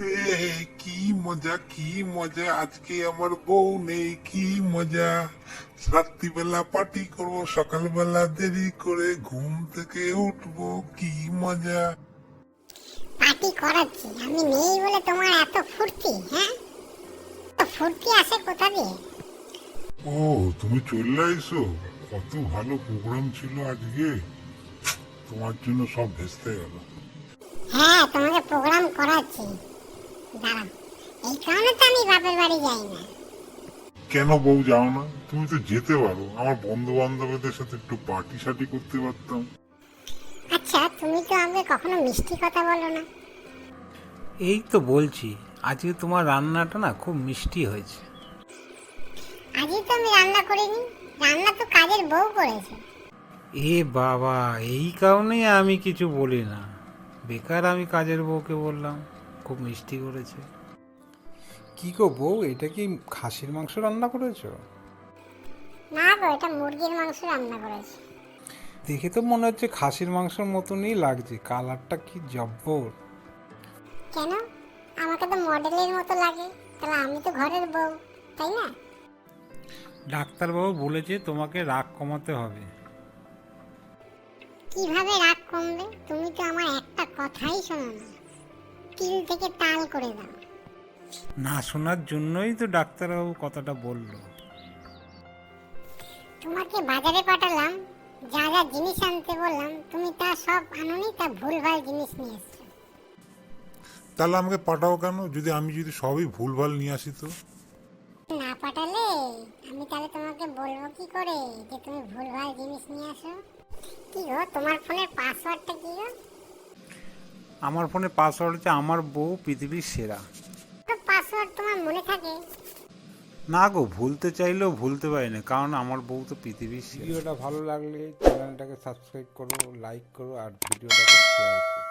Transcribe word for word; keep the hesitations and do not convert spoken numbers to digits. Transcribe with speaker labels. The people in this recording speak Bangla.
Speaker 1: এ কি মজা কি মজা, আজকে আমার বউ নেই, কি মজা। রাত্রিবেলা পার্টি করব, সকালবেলা দেরি করে ঘুম থেকে উঠবো, কি মজা।
Speaker 2: পার্টি করাচ্ছি আমি নেই বলে তোমার এত ফুর্তি? হ্যাঁ, তো ফুর্তি আসে কোথা দিয়ে?
Speaker 1: ও, তুমি চলে আইসো? কত ভালো প্রোগ্রাম ছিল আজকে, তোমার জন্য সব ভেস্তে গেল।
Speaker 2: হ্যাঁ, তোমাকে প্রোগ্রাম করাচ্ছি, দাঁড়াও। এই কারণে তো আমি বাপের বাড়ি যাই না।
Speaker 1: কেন বউ যাও না? তুমি তো যেতে পারো, আমার বন্ধু বান্ধবদের সাথে একটু পার্টি সার্টি করতে পারতাম।
Speaker 2: আচ্ছা, তুমি তো আমাকে কখনো মিষ্টি কথা বলো না।
Speaker 3: এই তো বলছি, আজকে তোমার রান্নাটা না খুব মিষ্টি হয়েছে।
Speaker 2: আজই তো আমি রান্না করিনি, রান্না তো কাজের বউ করেছে।
Speaker 3: এ বাবা, এই কারণেই আমি কিছু বলি না। বেকার আমি কাজের বউকে বললাম খুব মিষ্টি করেছে। কি গো বউ, এটা কি খাসির মাংস রান্না করেছো?
Speaker 2: না গো, এটা মুরগির মাংস রান্না করেছে।
Speaker 3: দেখে তো মনে হচ্ছে খাসির মাংসের মতনই লাগছে, কালারটা কি জব্বর।
Speaker 2: কেন? আমাকে তো মডেলের মতো লাগে, তাহলে আমি তো ঘরের বউ, তাই না?
Speaker 3: ডাক্তারবাবু বলেছে তোমাকে রাগ কমাতে হবে।
Speaker 2: কিভাবে রাগ কমবে? তুমি তো আমার একটা কথাই শোনো না, তিল থেকে তাল করে দাও।
Speaker 3: না শোনার জন্যই তো ডাক্তারবাবু কথাটা বললো।
Speaker 2: তোমাকে বাজারে পাঠালাম, যা যা জিনিস আনতে বললাম তুমি তা সব আনোনি, তা ভুলভাল জিনিস নিয়ে এসছো।
Speaker 1: তাহলে আমাকে পাঠাও কেন, যদি আমি যদি সবই ভুলভাল নিয়ে আসি তো?
Speaker 2: না পাঠালে আমি তাহলে তোমাকে বলবো কি করে যে তুমি ভুলভাল জিনিস নিয়ে আসো? কি গো, তোমার ফোনের পাসওয়ার্ডটা কি গো?
Speaker 3: আমার ফোনে পাসওয়ার্ড হচ্ছে আমার বউ পৃথিবীর সেরা।
Speaker 2: তো পাসওয়ার্ড তোমার মনে থাকে?
Speaker 3: না গো, ভুলতে চাইলেও ভুলতে পারি না, কারণ আমার বউ তো পৃথিবীর সেরা। ভিডিওটা ভালো লাগলে চ্যানেলটাকে সাবস্ক্রাইব করো, লাইক করো আর ভিডিওটাকে শেয়ার করো।